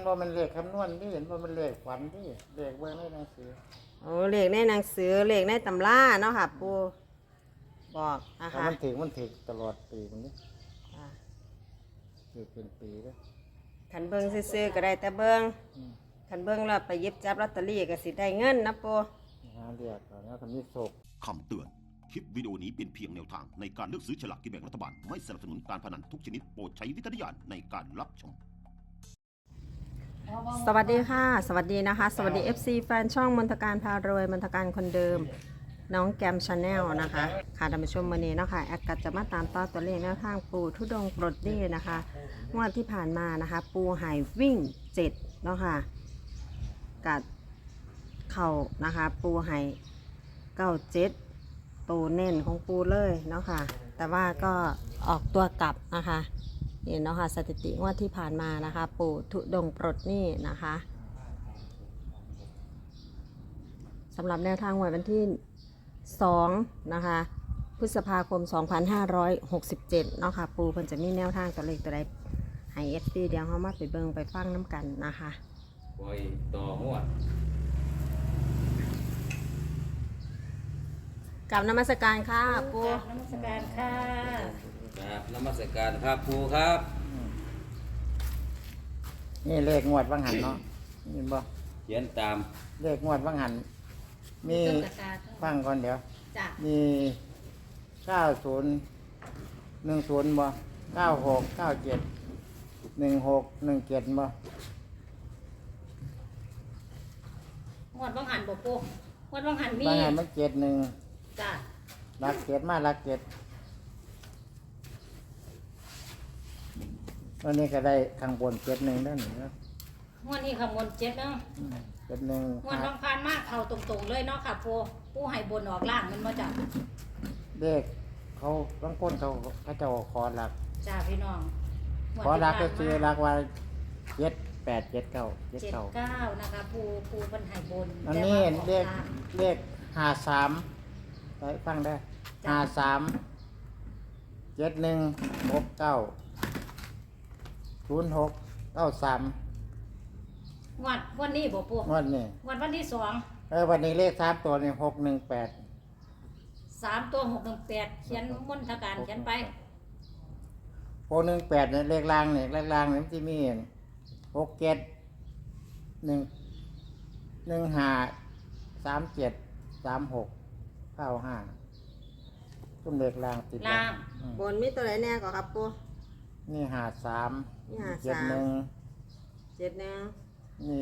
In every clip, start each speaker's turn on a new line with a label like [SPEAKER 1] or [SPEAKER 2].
[SPEAKER 1] ว่ามันเลขคำนวณที่เห็นว่ามันเลขฝันที่เลขเบื้องในหนังสือ
[SPEAKER 2] โอ้เลขในหนังสือเลขในตำราเนาะค่ะปูบอกนะ
[SPEAKER 1] ถ้า
[SPEAKER 2] คะ
[SPEAKER 1] มันถึงตลอดปีมันนี่ถือเป็นปีเลย
[SPEAKER 2] ขันเบิ้งซื้อๆก็ได้แต่เบิ้งขันเบิ้งแล้วไปหยิบจับลอตเตอรี่ก็สิได้เงินนะปู
[SPEAKER 1] เรียกแล้วทำนี้โศก
[SPEAKER 3] คำเตือน คลิปวิดีโอนี้เป็นเพียงแนวทางในการเลือกซื้อฉลากกินแบ่งรัฐบาล ไม่สนับสนุนการพนันทุกชนิดโปรดใช้วิจารณญาณในการรับชม
[SPEAKER 2] สวัสดีค่ะ สวัสดีนะคะ สวัสดี FC แฟนช่องมนตการพารวยมนตการคนเดิมน้องแกมชาแนลนะคะค่ะท่านผู้ชมวันนี้นะคะแอดกัดจะมาตามต่อตัวเลขแนวทางปูทุดงปลดหนี้นะคะงวดที่ผ่านมานะคะปูหายวิ่ง7เนาะค่ะกัดเข่านะคะปูหาย97ตัวเน้นของปูเลยเนาะค่ะแต่ว่าก็ออกตัวกลับนะคะนี่เนาะค่ะสถิติงวดที่ผ่านมานะคะปูทุดงปลดหนี้นะคะสำหรับแนวทางวันที่2นะคะพฤษภาคม 2567 เนาะค่ะปูเพิ่นจะมีแนวทางตัวเลขตัวใดให้ FC เดี๋ยวเฮามาไปเบิ่งไปฟังน้ำกันนะคะ
[SPEAKER 4] ปล่อยต่อหวด
[SPEAKER 2] กับนมัสการค่ะปู
[SPEAKER 5] นมัสการค่ะ
[SPEAKER 4] ครับนมัสการครับครูครับ
[SPEAKER 1] นี่เลขงวดวังหันเนาะเห็นบ่
[SPEAKER 4] เขียนตาม
[SPEAKER 1] เลขงวดวังหันมีฟังก่อนเดี๋ยว
[SPEAKER 5] จ้ะ
[SPEAKER 1] มี9010บ่96971617บ่
[SPEAKER 5] งวดวังหันบ่ปูงวดวังหันมี
[SPEAKER 1] วังหันมัน71
[SPEAKER 5] จ้ะ
[SPEAKER 1] รักเจ็ดมารักเจ็ดวันนี้ก็ได้ข้างบน71ได้หนึ่งแล้ว
[SPEAKER 5] งวดนี้ข้างบน7เนาะ
[SPEAKER 1] 71
[SPEAKER 5] งวดน้องพานมากเข้าตรงๆเลยเนาะค่ะปูให้บนออกล่างมันบ่จ้ะ
[SPEAKER 1] เด็กเขาบางคนเขาเจ้าขอหลัก
[SPEAKER 5] จ้าพี่น้อง
[SPEAKER 1] ขอหลักก็คือหลักว่า787979
[SPEAKER 5] 79นะคะปูเพิ่นให้บน
[SPEAKER 1] อันนี้
[SPEAKER 5] แต่ว่าออก
[SPEAKER 1] เล
[SPEAKER 5] ล่าง
[SPEAKER 1] ข53ไปฟังได้5371690693
[SPEAKER 5] วันนี้บ่ปู
[SPEAKER 1] งวดนี้
[SPEAKER 5] วันที่
[SPEAKER 1] วันนี้เลข3ตัวนี่618
[SPEAKER 5] 2 3ตัว618เขียนมนทการเขียนไป
[SPEAKER 1] 618เนี่ยเลขล่างเนี่ยเลขล่างเนี่ยมันจะมี6715373695ตุ้มเลขล่างติด
[SPEAKER 5] ล่าง
[SPEAKER 2] บนมีตัวไหนแน่ก่อนครับปู
[SPEAKER 1] นี่53
[SPEAKER 2] นี่
[SPEAKER 1] 71
[SPEAKER 2] 53 71
[SPEAKER 1] นี่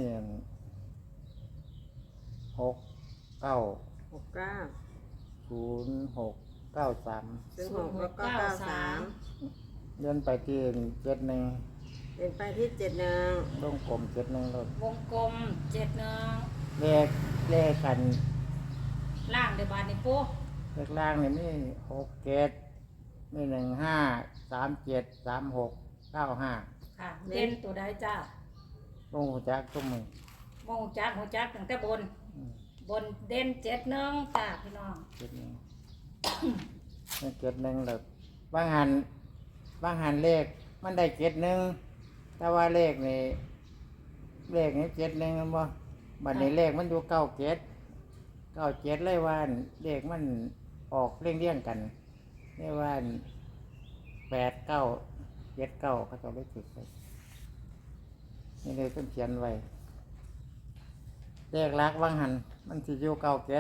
[SPEAKER 1] 6 9
[SPEAKER 2] 69
[SPEAKER 1] 0 6 9 3
[SPEAKER 2] 06แล้วก็93
[SPEAKER 1] เลื่อนไปที่71
[SPEAKER 2] เป็นไปที่71
[SPEAKER 1] ต้องกลม71รถ
[SPEAKER 5] วงกลม71
[SPEAKER 1] เลขกัน
[SPEAKER 5] ล่างเดี๋ยวบาดนี้ปู
[SPEAKER 1] เลขล่างนี่มี67มี15 37 36 95
[SPEAKER 5] ค่ะเด่นตัวใดจ้า
[SPEAKER 1] ลงหัวจักตุ้มมือ
[SPEAKER 5] มองจักหัวจักตั้งแต่บน บนเด่น71จ้าพี่น้อง
[SPEAKER 1] 71นี่71แล้วบางหันเลขมันได้71แต่ว่าเลขนี่71มันบ่บัดนี้เลขมันอยู่97เลยว่าเลขมันออกเรียงกันเรียกว่า8979เขาจะได้ติดไปนี่เลยต้องเขียนไว้เลขลักบางหันมันสิอยู่97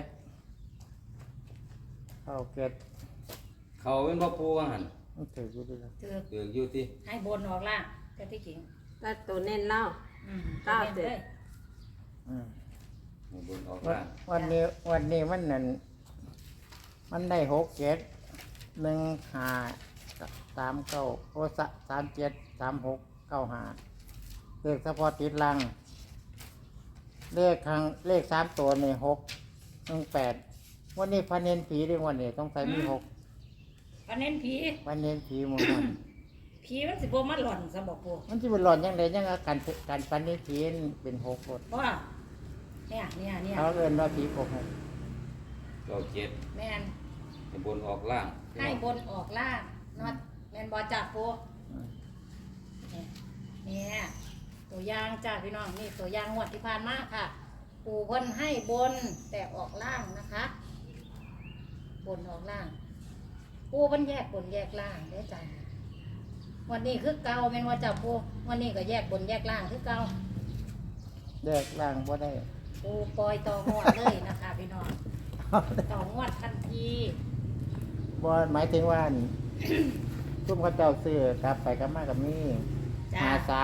[SPEAKER 4] เขาเป็นพ่อปูว่าหัน
[SPEAKER 1] มันถืออยู่ดีแล้ว
[SPEAKER 5] คือ
[SPEAKER 4] เกือกอยู่ที่
[SPEAKER 5] ให้บนออกล่างแต่ที่จริง
[SPEAKER 2] แต่ตัวเน้นเล่า
[SPEAKER 5] เก้าเจ็ด
[SPEAKER 1] อืม
[SPEAKER 4] ให้บนออก
[SPEAKER 1] วัน
[SPEAKER 4] ล่าง
[SPEAKER 1] วันนี้มันนั่นมันได้671539โอ้373695เลขเฉพาะติดลังเลข3ตัวนี่618วันนี้พันเนนผีด้วยวันนี้ต้องใส่มี6
[SPEAKER 5] พันเน้นผี
[SPEAKER 1] พันเนนผีหมดมัน
[SPEAKER 5] ผีมันสิบ่มาหล่อนซะบอกปู
[SPEAKER 1] มันจะเป็นหลอนยังไงยังการพันเนนผีเป็น6รถ
[SPEAKER 5] ว่าเนี่ย
[SPEAKER 1] เขาเอิ้นว่าผีโกหก
[SPEAKER 4] 97
[SPEAKER 5] แม่น
[SPEAKER 4] ให้บนออกล่าง
[SPEAKER 5] ให้บนออกล่างนอดแม่นบ่จับปูเนี่ยตัวอย่างจ้าพี่น้องนี่ตัวอย่างงวดที่ผ่านมาค่ะ ปู่เพิ่นให้บนแต่ออกล่างนะคะ บนออกล่าง ปู่เพิ่นแยกบนแยกล่างได้จ้ะวันนี้คือเก่าเป็นว่าจ้าปู่วันนี้ก็แยกบนแยกล่างคือเก่า
[SPEAKER 1] แยกล่างบ่ได้
[SPEAKER 5] ปู่ปล่อยต่องวดเลยนะคะพี่น้องต่องวดทันที
[SPEAKER 1] บ่หมายถึงว่าอั่น ซุ่มเขาเจ้าซื้อกลับไปกลับมากับนี่
[SPEAKER 5] จ้า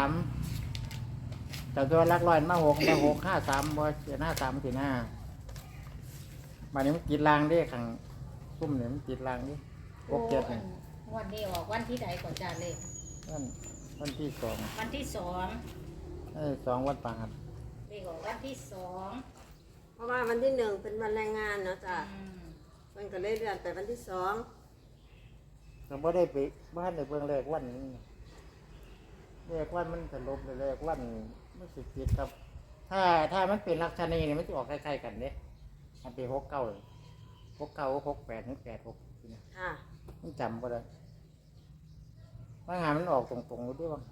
[SPEAKER 1] 53แต่ตัวหลักร้อยมา6 53บ่เสียหน้า3สิหน้าบัดนี้มันกินรางเด้ข้างซุ่มนี่มันกินรางดิ67นี่
[SPEAKER 5] งวันนี้ออกวันที่ใดก่อนจ้าเลย
[SPEAKER 1] วันที่2
[SPEAKER 5] วันที่สอง
[SPEAKER 1] 2วันประหัส
[SPEAKER 5] เลขออกวันที่สอง
[SPEAKER 2] เพราะว่าวันที่หนึ่งเป็นวันแรงงานเนาะจ้ะ
[SPEAKER 5] อืม
[SPEAKER 2] มันก็เลยเลื่อนไปวันที่สอง
[SPEAKER 1] ก็บ่ได้ไปบ้านในเบื้องแรกวันนี้แรกวันมันสลบเลยแรกวันมันสิผิดครับ ถ้ามันเป็นลักษณะนี้มันจะออกคล้ายๆกันเด้มันเป็น69เลย69 68ถึง86นี่
[SPEAKER 2] ค่ะ
[SPEAKER 1] มันจำบ่ได้ว่าหามันออกตรงๆอยู่ด้วยว่า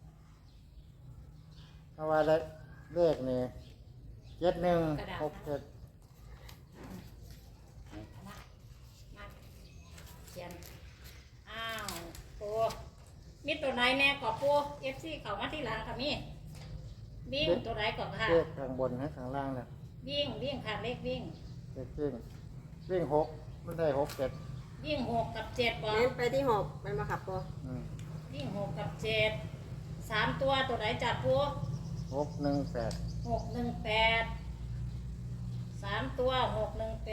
[SPEAKER 1] เพราะว่าเลขนี่7167
[SPEAKER 5] มาเขียนอ้าวปูมีตัวไหนแน่ก่อปู FC เขามาที่หลังค่ะมีวิ่งตัวไหนก่อนค่ะ
[SPEAKER 1] เลขข้างบนให้ข้างล่างนะ
[SPEAKER 5] วิ่งค่ะเลขวิ่ง
[SPEAKER 1] เลขวิ่ง6มันได้67
[SPEAKER 5] วิ่ง6 กับ 7บ่
[SPEAKER 2] เน้นไปที่หกเป็นมาขับปู
[SPEAKER 1] อืม
[SPEAKER 5] วิ่ง6 กับ 7 3 ตัวตัวไหนจับปู
[SPEAKER 1] 618
[SPEAKER 5] 618 3 ตัว618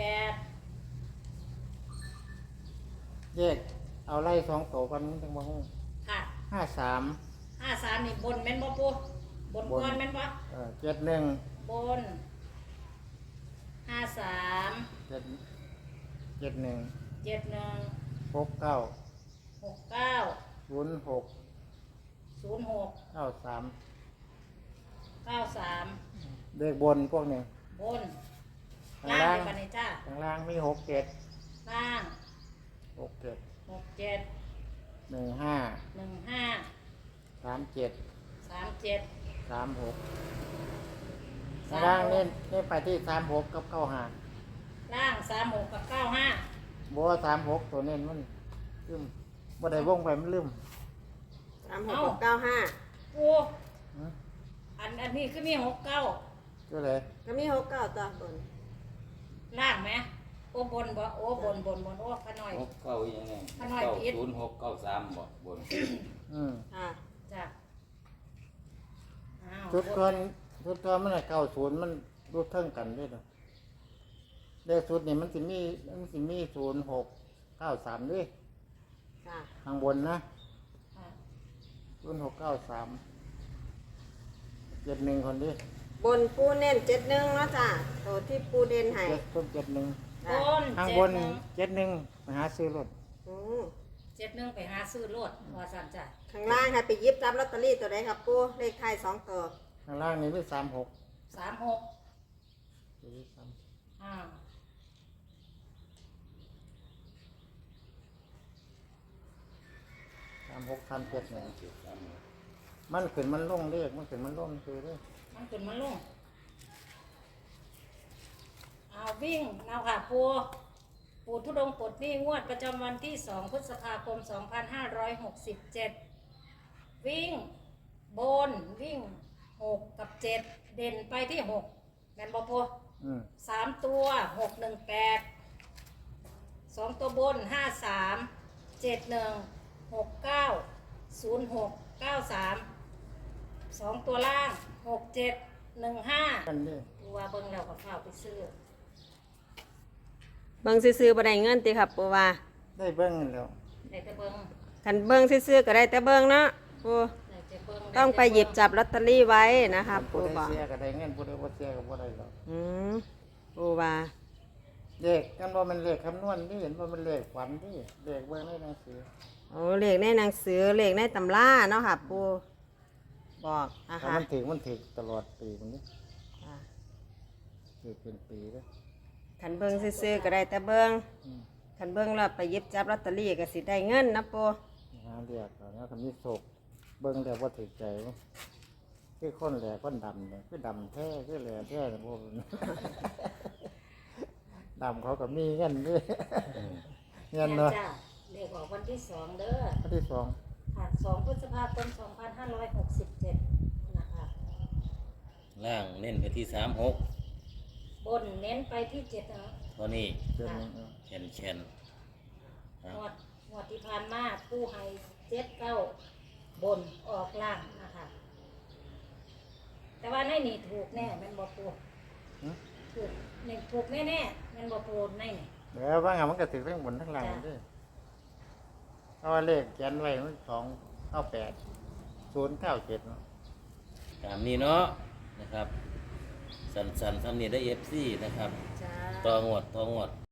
[SPEAKER 1] แยกเอาไล่2ตัวกันมันจังบ่ฮู้
[SPEAKER 5] ค่ะ
[SPEAKER 1] 53
[SPEAKER 5] 53นี่บนแม่นบ่ปูบนก้อนแม่นบ่
[SPEAKER 1] 71
[SPEAKER 5] บน53
[SPEAKER 1] 71
[SPEAKER 5] 71
[SPEAKER 1] 69
[SPEAKER 5] 69
[SPEAKER 1] 06
[SPEAKER 5] 06
[SPEAKER 1] 93
[SPEAKER 5] 93
[SPEAKER 1] เลขบนพวกนี้
[SPEAKER 5] บน
[SPEAKER 1] ข้าง
[SPEAKER 5] ล่า
[SPEAKER 1] ล่าง ง
[SPEAKER 5] ไปกันเลยจ้า
[SPEAKER 1] ข้างล่างมี67
[SPEAKER 5] ล่าง
[SPEAKER 1] 67
[SPEAKER 5] 67
[SPEAKER 1] 15
[SPEAKER 5] 15
[SPEAKER 1] 37
[SPEAKER 5] 37
[SPEAKER 1] 36ข้างล่างนี่ไปที่36กับ95
[SPEAKER 5] ล่าง36กับ95
[SPEAKER 1] บ่36ตัวนี้มันลืมบ่ได้วงไปมันลืม
[SPEAKER 2] 36 กับ95
[SPEAKER 5] ปู
[SPEAKER 1] หือ
[SPEAKER 5] อันนี้คือมี69
[SPEAKER 1] ตัวไหน
[SPEAKER 2] ก็มี69ตัวบน
[SPEAKER 5] ล่างไหมโอ้บนบ่โอ้บนโอ้ขน้อย
[SPEAKER 4] 6 9ยังไง
[SPEAKER 5] ขน้อยผิด
[SPEAKER 4] 906 93บ่บน
[SPEAKER 2] ค่ะ
[SPEAKER 5] จ้ะอ้าว
[SPEAKER 1] ชุดก่อนมันน่ะ90มันรูปเท่งกันด้วยเนาะเลขชุดนี่มันสิมี0693ด้วย
[SPEAKER 2] ค่ะ
[SPEAKER 1] ข้างบนนะ
[SPEAKER 5] อ่า
[SPEAKER 1] 0693 71คนดิ
[SPEAKER 2] บนปูเน้น71เนาะจ้ะตัวที่ปูเด่นให้
[SPEAKER 1] 71
[SPEAKER 5] บน
[SPEAKER 1] ข้างบน71ไปหาซื้อรถ
[SPEAKER 2] อืม
[SPEAKER 5] 71ไปหาซื้อรถว่าสั่นจ้ะ
[SPEAKER 2] ข้างล่างให้ไปหยิบจับลอตเตอรี่ตัวใดครับปูเลขท้าย2ตัว
[SPEAKER 1] ข้างล่างนี่มี36
[SPEAKER 5] 36อ้าว
[SPEAKER 1] 37เนี่ยมันขึ้นมันลงเลขมันขึ้นมันลงคือเด้อ
[SPEAKER 5] มันขึ้นมันลงเอาวิ่งเอาค่ะปูทุดงค์ปลดหนี้งวดประจำวันที่ 2 พฤษภาคม 2567 วิ่งบนวิ่ง 6 กับ 7 เด่นไปที่ 6แม่นบ่ปู
[SPEAKER 1] อืม
[SPEAKER 5] 3 ตัว 618 2 ตัวบน 53 71 69 06 93 2 ตัวล่าง 67 15
[SPEAKER 1] กันนี่
[SPEAKER 5] ดูว่าเบิ่งแล้วก็เข้าไปซื้อ
[SPEAKER 2] เบิ่งซื่อๆบ่ได้เงินติครับปูว่า
[SPEAKER 1] ได้เบิ้งแล้ว
[SPEAKER 5] ได้แต่เบิ่ง
[SPEAKER 2] คันเบิ่งซื่อๆก็ได้แต่เบิ่งเนาะปู
[SPEAKER 5] ได้แต่เบิ่ง
[SPEAKER 2] ต้องไปหยิบจับลอตเตอรี่ไว้นะครับ
[SPEAKER 1] ผู้
[SPEAKER 2] ปู
[SPEAKER 1] ได้
[SPEAKER 2] บอก
[SPEAKER 1] เสียก็ได้เงินผู้ได้บ่เสียก็บ่ได้หรอก
[SPEAKER 2] อืมปูว่า
[SPEAKER 1] เลขกันว่ามันเลขคำนวณที่เห็นว่ามันเลขฝันที่เลขเบิ่งในหนังสือ
[SPEAKER 2] โอ้เลขในหนังสือเลขในตำราเนาะค่ะปูบอกนะ
[SPEAKER 1] ถ้า
[SPEAKER 2] คะ
[SPEAKER 1] มันถึงตลอดปีมันนี่
[SPEAKER 2] ค่ะ
[SPEAKER 1] ถือเป็นปีแล้ว
[SPEAKER 2] คันเบิ่งซื่อๆก็ได้แต่เบิ่งคันเบิ่งแล้วไปหยิบจับลอตเตอรี่ก็สิได้เงินนะปู
[SPEAKER 1] หาเรียกเอานะคำนี้โศกเบิ่งแล้วบ่ถือใจวะเลคือคนแหล่คนดำเนี่ยคือดำแท้คือแหล่แท้นะพวกนั้น ดำเขาก็มีเงินด้วยเงินเนาะ
[SPEAKER 5] จ้าเลขออกวันที่2เด้อ
[SPEAKER 1] ข้อที่สอง
[SPEAKER 5] ค่ะ2พฤษภาคม2567นะคะ
[SPEAKER 4] ล่างเน้นไปที่36
[SPEAKER 5] บนเน้นไปที่7เนาะ
[SPEAKER 4] เท่านี้
[SPEAKER 1] เดือนหนึง
[SPEAKER 4] แคนแคนอ่ะ
[SPEAKER 5] งวดที่ผ่านมาผู้ให้79บนออกล่างนะคะ แต่ว่าในนี่ถูกแน่แมันบ่ปูถูกนี่ถูกแน่ๆแมันบ่ปูในนี่
[SPEAKER 1] เดี๋ยวว่างานมันก็ถือทั้งบนทั้งล่าง
[SPEAKER 5] จ้ะ
[SPEAKER 1] ด้วยเพราะว่าเลขเขียนไว้มัน298 097เนาะ
[SPEAKER 4] ตามนี้เนาะนะครับ สันๆทำนี่ได้ FC นะครับ
[SPEAKER 5] จ้า
[SPEAKER 4] ต่องวด